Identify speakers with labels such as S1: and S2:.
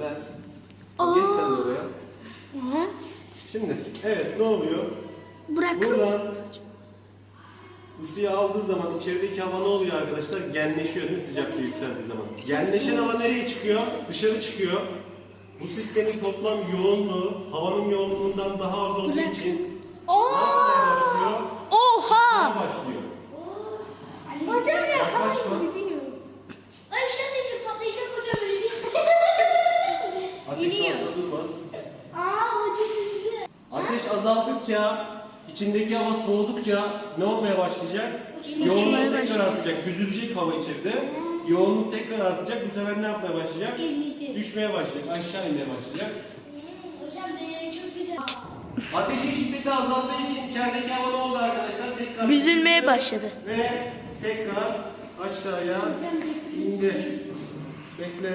S1: ver. Geç sen de oraya. Şimdi evet ne oluyor? Buradan ısıyı aldığı zaman içerideki hava ne oluyor arkadaşlar? Genleşiyor değil mi sıcaklığı yükseldiği zaman? Genleşen hava nereye çıkıyor? Dışarı çıkıyor. Bu sistemin toplam yoğunluğu havanın yoğunluğundan daha az olduğu için ne yapmaya başlıyor?
S2: Oha!
S1: Ne başlıyor?
S2: Hocam ya.
S1: Yaklaşma.
S3: Ay işte anneciğim patlayacak hocam ölecek.
S1: Ateş
S2: İniyor.
S1: altında durma.
S3: Hocam.
S1: Ateş azaldıkça, içindeki hava soğudukça ne olmaya başlayacak?
S2: Uçmaya
S1: Yoğunluk tekrar
S2: başlayacak.
S1: artacak. Büzülecek hava içeride. Yoğunluk tekrar artacak. Bu sefer ne yapmaya başlayacak?
S3: İnecek.
S1: Düşmeye başlayacak. Aşağı inmeye başlayacak.
S3: Hocam benim çok güzel.
S1: Ateşin şiddeti azaldığı için içerideki hava ne oldu arkadaşlar? Tekrar
S2: Büzülmeye
S1: büzüldü
S2: başladı.
S1: Ve tekrar aşağıya indi. Bekle.